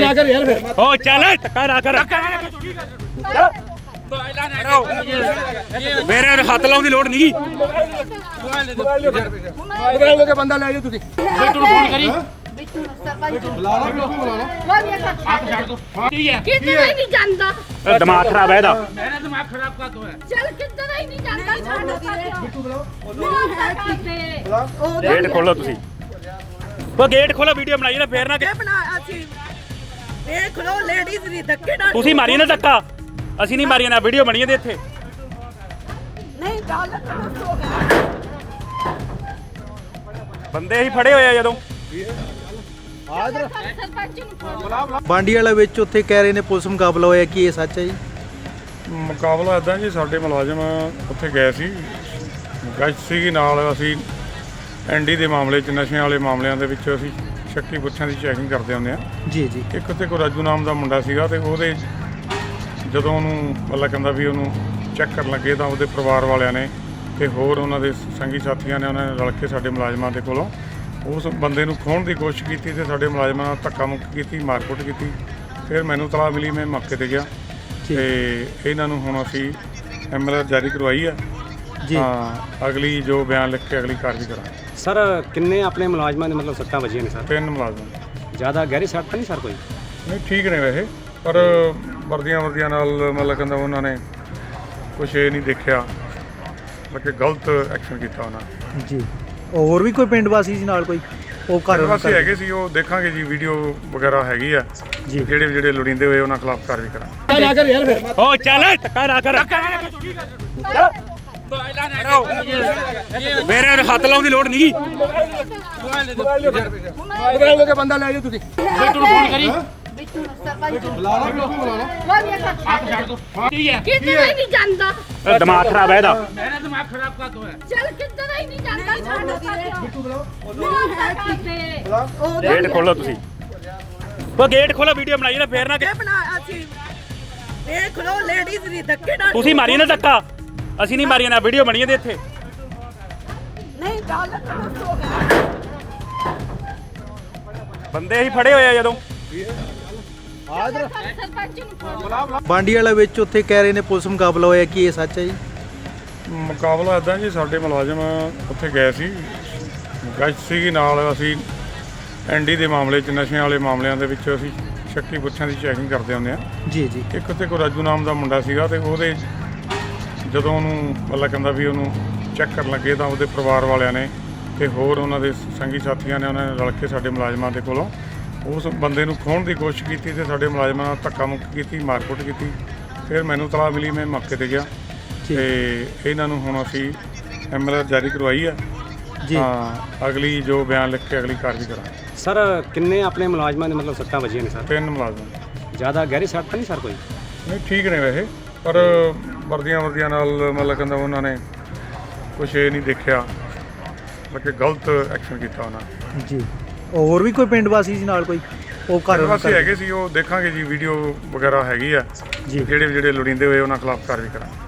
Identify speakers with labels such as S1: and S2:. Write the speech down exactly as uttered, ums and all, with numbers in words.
S1: ਨਾ ਕਰ ਯਾਰ ਫਿਰ
S2: ਓ ਚੱਲ ਟੱਕਾ ਨਾ ਕਰ ਮੇਰੇ ਹੱਥ ਲਾਉਣ ਦੀ ਲੋੜ ਨਹੀਂ।
S1: ਮੋਬਾਈਲ ਲੈ ਕੇ ਬੰਦਾ ਲੈ ਜਾਓ ਤੁਸੀਂ
S2: ਬਿੱਟੂ ਨੂੰ ਫੋਨ ਕਰੀ।
S3: ਬਿੱਟੂ ਨੂੰ ਸਰਪੰਚ ਨੂੰ
S1: ਬੁਲਾ ਲਓ ਬਿੱਟੂ ਬੁਲਾ ਲਓ
S3: ਕੋਈ ਇਹ ਛੱਡ ਦੋ
S2: ਠੀਕ ਹੈ
S3: ਕਿੱਧਰ ਹੀ ਨਹੀਂ ਜਾਂਦਾ
S2: ਦਿਮਾਗ ਖਰਾਬ ਹੈ ਇਹਦਾ।
S4: मेरा दिमाग खराब का तो है।
S3: ਚੱਲ ਕਿੱਧਰ ਹੀ ਨਹੀਂ ਜਾਂਦਾ ਛੱਡ
S1: ਬਿੱਟੂ ਬੁਲਾਓ
S3: ਨਹੀਂ ਹੈ ਕਿਤੇ
S2: ਗੇਟ ਖੋਲੋ ਤੁਸੀਂ। ਉਹ ਗੇਟ ਖੋਲੋ ਵੀਡੀਓ ਬਣਾਈ ਨਾ ਫੇਰ ਨਾ ਕਿ-
S5: ਬਣਾ ਅਸੀਂ ਦੇਖ ਲਓ ਲੇਡੀਜ਼ ਦੀ ਧੱਕੇ ਨਾਲ
S2: ਤੁਸੀਂ ਮਾਰੀ ਨਾ ਧੱਕਾ। ਅਸੀਂ ਨਹੀਂ ਮਾਰੀ ਨਾ ਵੀਡੀਓ ਬਣੀ ਇਹਦੇ ਇੱਥੇ।
S5: ਨਹੀਂ ਗੱਲ ਤਾਂ ਦੱਸੋ
S2: ਬੰਦੇ ਹੀ ਫੜੇ ਹੋਏ ਆ ਜਦੋਂ।
S3: ਸਰਪੰਚ ਨੂੰ ਫੋਨ
S6: ਬਾਂਡੀ ਵਾਲਾ ਵਿੱਚ ਉੱਥੇ ਕਹਿ ਰਹੇ ਨੇ ਪੁਲਿਸ ਮੁਕਾਬਲਾ ਹੋਇਆ, ਕੀ ਇਹ ਸੱਚ ਹੈ ਜੀ?
S7: ਮੁਕਾਬਲਾ ਇੱਦਾਂ ਜੀ, ਸਾਡੇ ਮੁਲਾਜ਼ਮ ਉੱਥੇ ਗਏ ਸੀ, ਗਸ਼ਤ ਸੀਗੀ ਨਾਲ। ਅਸੀਂ ਐਨਡੀ ਦੇ ਮਾਮਲੇ 'ਚ, ਨਸ਼ਿਆਂ ਵਾਲੇ ਮਾਮਲਿਆਂ ਦੇ ਵਿੱਚ ਅਸੀਂ ਸ਼ੱਕੀ ਪੁੱਛਾਂ ਦੀ ਚੈਕਿੰਗ ਕਰਦੇ ਹੁੰਦੇ ਆ।
S6: ਜੀ ਜੀ
S7: ਇੱਕ ਉੱਥੇ ਕੋਈ ਰਾਜੂ ਨਾਮ ਦਾ ਮੁੰਡਾ ਸੀਗਾ, ਤੇ ਉਹਦੇ ਜਦੋਂ ਉਹਨੂੰ ਮਤਲਬ ਕਹਿੰਦਾ ਵੀ ਉਹਨੂੰ ਚੈੱਕ ਕਰਨ ਲੱਗੇ ਤਾਂ ਉਹਦੇ ਪਰਿਵਾਰ ਵਾਲਿਆਂ ਨੇ ਤੇ ਹੋਰ ਉਹਨਾਂ ਦੇ ਸੰਗੀ ਸਾਥੀਆਂ ਨੇ ਉਹਨਾਂ ਨੇ ਰਲ ਕੇ ਸਾਡੇ ਮੁਲਾਜ਼ਮਾਂ ਦੇ ਕੋਲੋਂ ਉਸ ਬੰਦੇ ਨੂੰ ਖੋਹਣ ਦੀ ਕੋਸ਼ਿਸ਼ ਕੀਤੀ ਤੇ ਸਾਡੇ ਮੁਲਾਜ਼ਮਾਂ ਨਾਲ ਧੱਕਾ ਮੁੱਕ ਕੀਤੀ, ਮਾਰਕੁੱਟ ਕੀਤੀ। ਫਿਰ ਮੈਨੂੰ ਤਲਾਹ ਮਿਲੀ, ਮੈਂ ਮੌਕੇ ਤੇ ਗਿਆ ਤੇ ਇਹਨਾਂ ਨੂੰ ਹੁਣ ਅਸੀਂ ਐਮ ਐਲ ਆਰ ਜਾਰੀ ਕਰਵਾਈ ਆ
S6: ਜੀ।
S7: ਹਾਂ, ਅਗਲੀ ਜੋ ਬਿਆਨ ਲਿਖ ਕੇ ਅਗਲੀ ਕਾਰਵਾਈ ਕਰਾਂਗੇ।
S8: ਸਰ ਕਿੰਨੇ ਆਪਣੇ ਮੁਲਾਜ਼ਮਾਂ ਦੇ ਮਤਲਬ ਸੱਟਾਂ ਵੱਜੀਆਂ ਨੇ ਸਰ?
S7: ਤਿੰਨ ਮੁਲਾਜ਼ਮ
S8: ਜ਼ਿਆਦਾ ਗਹਿਰੀ ਸੱਟ ਤਾਂ ਨਹੀਂ ਸਰ ਕੋਈ?
S7: ਨਹੀਂ, ਠੀਕ ਨੇ ਵੈਸੇ, ਪਰ ਵਰਦੀਆਂ ਵਰਦੀਆਂ ਨਾਲ ਮਤਲਬ ਕਹਿੰਦਾ ਉਹਨਾਂ ਨੇ ਕੁਛ ਇਹ ਨਹੀਂ ਦੇਖਿਆ, ਮਤਲਬ ਕਿ ਗਲਤ ਐਕਸ਼ਨ ਕੀਤਾ ਉਹਨਾਂ ਨੇ।
S6: ਜੀ ਹੋਰ ਵੀ ਕੋਈ ਪਿੰਡ ਵਾਸੀ ਸੀ ਨਾਲ ਕੋਈ? ਉਹ ਘਰ
S7: ਵਾਸੀ ਹੈਗੇ ਸੀ, ਉਹ ਦੇਖਾਂਗੇ ਜੀ, ਵੀਡੀਓ ਵਗੈਰਾ ਹੈਗੀ ਆ
S6: ਜੀ।
S7: ਜਿਹੜੇ ਜਿਹੜੇ ਲੋੜੀਂਦੇ ਹੋਏ ਉਹਨਾਂ ਖਿਲਾਫ ਕਾਰਵਾਈ ਕਰਾਂਗੇ।
S1: ਨਾ ਕਰ ਯਾਰ ਫਿਰ
S2: ਓ ਚੱਲ ਟੱਕਾ ਨਾ ਕਰ ਮੇਰੇ ਹੱਥ ਲਾਉਣ ਦੀ ਲੋੜ ਨਹੀਂ।
S1: ਮੋਬਾਈਲ ਲੈ ਕੇ ਬੰਦਾ ਲੈ ਜਾਓ ਤੁਸੀਂ
S2: ਬਿੱਟੂ ਨੂੰ ਫੋਨ ਕਰੀ।
S3: ਬਿੱਟੂ ਨੂੰ ਸਰਪੰਚ ਨੂੰ
S1: ਬੁਲਾ ਲਓ ਬਿੱਟੂ ਬੁਲਾ ਲਓ
S3: ਕੋਈ ਇਹ ਛੱਡ
S2: ਠੀਕ ਹੈ
S3: ਕਿੱਧਰ ਹੀ ਨਹੀਂ ਜਾਂਦਾ
S2: ਦਿਮਾਗ ਖਰਾਬ ਹੈ ਇਹਦਾ।
S4: मेरा दिमाग खराब का तो है।
S3: ਚੱਲ ਕਿੱਧਰ ਹੀ ਨਹੀਂ ਜਾਂਦਾ ਛੱਡ
S1: ਬਿੱਟੂ ਬੁਲਾਓ
S3: ਨਹੀਂ ਹੈ ਕਿਤੇ
S2: ਗੇਟ ਖੋਲੋ ਤੁਸੀਂ। ਉਹ ਗੇਟ ਖੋਲੋ ਵੀਡੀਓ ਬਣਾਈ ਨਾ ਫੇਰ ਨਾ ਕਿ-
S5: ਬਣਾ ਅਸੀਂ ਦੇਖ ਲਓ ਲੇਡੀਜ਼ ਦੀ ਧੱਕੇ ਨਾਲ
S2: ਤੁਸੀਂ ਮਾਰੀ ਨਾ ਧੱਕਾ। ਅਸੀਂ ਨਹੀਂ ਮਾਰੀ ਨਾ ਵੀਡੀਓ ਬਣੀ ਇਹਦੇ ਇੱਥੇ।
S5: ਨਹੀਂ ਗੱਲ ਤਾਂ ਦੱਸੋ
S2: ਬੰਦੇ ਹੀ ਫੜੇ ਹੋਏ ਆ ਜਦੋਂ।
S3: ਸਰਪੰਚ ਨੂੰ ਫੋਨ
S6: ਬਾਂਡੀ ਵਾਲਾ ਵਿੱਚ ਉੱਥੇ ਕਹਿ ਰਹੇ ਨੇ ਪੁਲਿਸ ਮੁਕਾਬਲਾ ਹੋਇਆ, ਕੀ ਇਹ ਸੱਚ ਹੈ ਜੀ?
S7: ਮੁਕਾਬਲਾ ਇੱਦਾਂ ਜੀ, ਸਾਡੇ ਮੁਲਾਜ਼ਮ ਉੱਥੇ ਗਏ ਸੀ, ਗਸ਼ਤ ਸੀਗੀ ਨਾਲ। ਅਸੀਂ ਐਨਡੀ ਦੇ ਮਾਮਲੇ 'ਚ, ਨਸ਼ਿਆਂ ਵਾਲੇ ਮਾਮਲਿਆਂ ਦੇ ਵਿੱਚ ਅਸੀਂ ਸ਼ੱਕੀ ਪੁੱਛਾਂ ਦੀ ਚੈਕਿੰਗ ਕਰਦੇ ਹੁੰਦੇ ਆ।
S6: ਜੀ ਜੀ
S7: ਇੱਕ ਉੱਥੇ ਕੋਈ ਰਾਜੂ ਨਾਮ ਦਾ ਮੁੰਡਾ ਸੀਗਾ, ਤੇ ਉਹਦੇ ਜਦੋਂ ਉਹਨੂੰ ਮਤਲਬ ਕਹਿੰਦਾ ਵੀ ਉਹਨੂੰ ਚੈੱਕ ਕਰਨ ਲੱਗੇ ਤਾਂ ਉਹਦੇ ਪਰਿਵਾਰ ਵਾਲਿਆਂ ਨੇ ਤੇ ਹੋਰ ਉਹਨਾਂ ਦੇ ਸੰਗੀ ਸਾਥੀਆਂ ਨੇ ਉਹਨਾਂ ਨੇ ਰਲ ਕੇ ਸਾਡੇ ਮੁਲਾਜ਼ਮਾਂ ਦੇ ਕੋਲੋਂ ਉਸ ਬੰਦੇ ਨੂੰ ਖੋਹਣ ਦੀ ਕੋਸ਼ਿਸ਼ ਕੀਤੀ ਤੇ ਸਾਡੇ ਮੁਲਾਜ਼ਮਾਂ ਨਾਲ ਧੱਕਾ ਮੁੱਕ ਕੀਤੀ, ਮਾਰਕੁੱਟ ਕੀਤੀ। ਫਿਰ ਮੈਨੂੰ ਤਲਾਹ ਮਿਲੀ, ਮੈਂ ਮੌਕੇ ਤੇ ਗਿਆ ਤੇ ਇਹਨਾਂ ਨੂੰ ਹੁਣ ਅਸੀਂ ਐਮ ਐਲ ਆਰ ਜਾਰੀ ਕਰਵਾਈ ਆ
S6: ਜੀ।
S7: ਹਾਂ, ਅਗਲੀ ਜੋ ਬਿਆਨ ਲਿਖ ਕੇ ਅਗਲੀ ਕਾਰਵਾਈ ਕਰਾਂਗੇ।
S8: ਸਰ ਕਿੰਨੇ ਆਪਣੇ ਮੁਲਾਜ਼ਮਾਂ ਦੇ ਮਤਲਬ ਸੱਟਾਂ ਵੱਜੀਆਂ ਨੇ ਸਰ?
S7: ਤਿੰਨ ਮੁਲਾਜ਼ਮ।
S8: ਜ਼ਿਆਦਾ ਗਹਿਰੀ ਸੱਟ ਤਾਂ ਨਹੀਂ ਸਰ ਕੋਈ?
S7: ਨਹੀਂ, ਠੀਕ ਨੇ ਵੈਸੇ, ਪਰ ਵਰਦੀਆਂ ਵਰਦੀਆਂ ਨਾਲ ਮਤਲਬ ਕਹਿੰਦਾ ਉਹਨਾਂ ਨੇ ਕੁਛ ਇਹ ਨਹੀਂ ਦੇਖਿਆ, ਮਤਲਬ ਕਿ ਗਲਤ ਐਕਸ਼ਨ ਕੀਤਾ ਉਹਨਾਂ ਨੇ।
S6: ਜੀ ਹੋਰ ਵੀ ਕੋਈ ਪਿੰਡ ਵਾਸੀ ਸੀ ਨਾਲ ਕੋਈ? ਉਹ ਘਰ
S7: ਵਾਸੀ ਹੈਗੇ ਸੀ, ਉਹ ਦੇਖਾਂਗੇ ਜੀ, ਵੀਡੀਓ ਵਗੈਰਾ ਹੈਗੀ ਆ।
S6: ਜੀ।
S7: ਜਿਹੜੇ ਜਿਹੜੇ ਲੋੜੀਂਦੇ ਹੋਏ ਉਹਨਾਂ ਖਿਲਾਫ ਕਾਰਵਾਈ ਕਰਾਂਗੇ।